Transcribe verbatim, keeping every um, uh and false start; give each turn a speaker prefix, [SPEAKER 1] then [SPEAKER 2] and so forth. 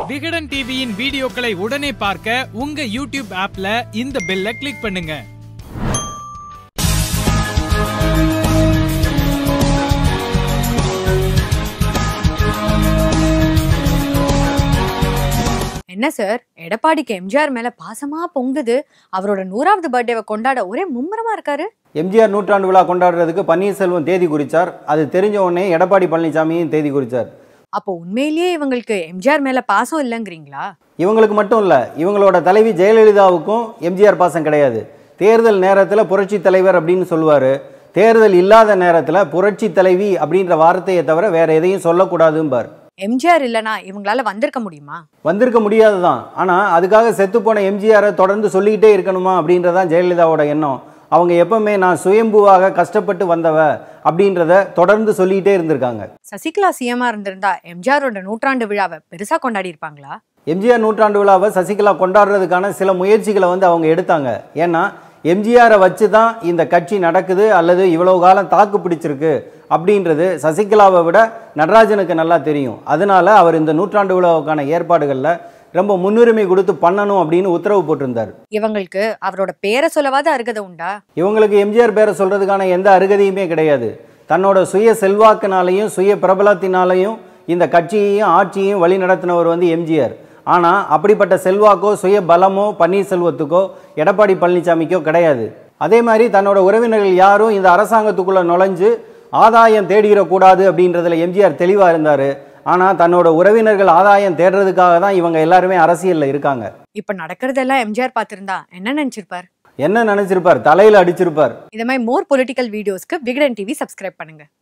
[SPEAKER 1] விகடன் டிவியின் வீடியோக்களை உடனே பார்க்க உங்க யூடியூப் ஆப்ல இந்த பெல்லை கிளிக் பண்ணுங்க.
[SPEAKER 2] என்ன சார், எடப்பாடிக்கு எம்ஜிஆர் மேல பாசமா பொங்குது. அவரோட நூறாவது பர்த்டேவை கொண்டாட ஒரே மும்முரமா இருக்காரு.
[SPEAKER 3] எம்ஜிஆர் நூற்றாண்டு விழா கொண்டாடுறதுக்கு பன்னீர்செல்வம் தேதி குறிச்சார். அது தெரிஞ்ச உடனே எடப்பாடி பழனிசாமியும் தேதி குறிச்சார்.
[SPEAKER 2] அப்போ உண்மையிலேயே இவங்களுக்கு எம்ஜிஆர் மேல பாசம் இல்லைங்கிறீங்களா?
[SPEAKER 3] இவங்களுக்கு மட்டும் இல்ல, இவங்களோட தலைவி ஜெயலலிதாவுக்கும் எம்ஜிஆர் பாசம் கிடையாது. தேர்தல் நேரத்துல புரட்சி தலைவர் அப்படின்னு சொல்லுவாரு. தேர்தல் இல்லாத நேரத்துல புரட்சி தலைவி அப்படின்ற வார்த்தையை தவிர வேற எதையும் சொல்லக்கூடாதும்பார்.
[SPEAKER 2] எம்ஜிஆர் இல்லனா இவங்களால வந்திருக்க முடியுமா?
[SPEAKER 3] வந்திருக்க முடியாதுதான். ஆனா அதுக்காக செத்து போன எம்ஜிஆரை தொடர்ந்து சொல்லிக்கிட்டே இருக்கணுமா அப்படின்றதான் ஜெயலலிதாவோட எண்ணம். அவங்க எப்பவுமே நான் சுயம்புவாக கஷ்டப்பட்டு வந்தவ அப்படின்றத தொடர்ந்து சொல்லிக்கிட்டே இருந்திருக்காங்க.
[SPEAKER 2] சசிகலா சிஎம்ஆ இருந்திருந்தா எம்ஜிஆரோட நூற்றாண்டு விழாவை பெருசா கொண்டாடி இருப்பாங்களா?
[SPEAKER 3] எம்ஜிஆர் நூற்றாண்டு விழாவை சசிகலா கொண்டாடுறதுக்கான சில முயற்சிகளை வந்து அவங்க எடுத்தாங்க. ஏன்னா எம்ஜிஆரை வச்சு தான் இந்த கட்சி நடக்குது அல்லது இவ்வளவு காலம் தாக்கு பிடிச்சிருக்கு அப்படின்றது சசிகலாவை விட நடராஜனுக்கு நல்லா தெரியும். அதனால அவர் இந்த நூற்றாண்டு விழாவுக்கான ஏற்பாடுகளில் ரொம்ப முன்னுரிமை கொடுத்து பண்ணணும் அப்படின்னு உத்தரவு போட்டிருந்தார்.
[SPEAKER 2] இவங்களுக்கு அவரோட பேரை சொல்லவாத அருகதை உண்டா?
[SPEAKER 3] இவங்களுக்கு எம்ஜிஆர் பேரை சொல்றதுக்கான எந்த அருகதையுமே கிடையாது. தன்னோட சுய செல்வாக்குனாலையும் சுய பிரபலத்தினாலையும் இந்த கட்சியையும் ஆட்சியையும் வழி நடத்தினவர் வந்து எம்ஜிஆர். ஆனால் அப்படிப்பட்ட செல்வாக்கோ சுய பலமோ பன்னீர்செல்வத்துக்கோ எடப்பாடி பழனிசாமிக்கோ கிடையாது. அதே மாதிரி தன்னோட உறவினர்கள் யாரும் இந்த அரசாங்கத்துக்குள்ள நுழைஞ்சு ஆதாயம் தேடிடக்கூடாது அப்படின்றதுல எம்ஜிஆர் தெளிவாக இருந்தார். ஆனால் தன்னோட உறவினர்கள் ஆதாயம் தேடுறதுக்காக தான் இவங்க எல்லாருமே அரசியலில் இருக்காங்க.
[SPEAKER 2] இப்போ நடக்கிறதெல்லாம் எம்ஜிஆர் பார்த்திருந்தா என்ன நினைச்சிருப்பார்?
[SPEAKER 3] என்ன நினைச்சிருப்பார்? தலையில் அடிச்சிருப்பார்.
[SPEAKER 2] இந்த மாதிரி மோர் பொலிட்டிக்கல் வீடியோஸ்க்கு விகடன் டிவி சப்ஸ்கிரைப் பண்ணுங்க.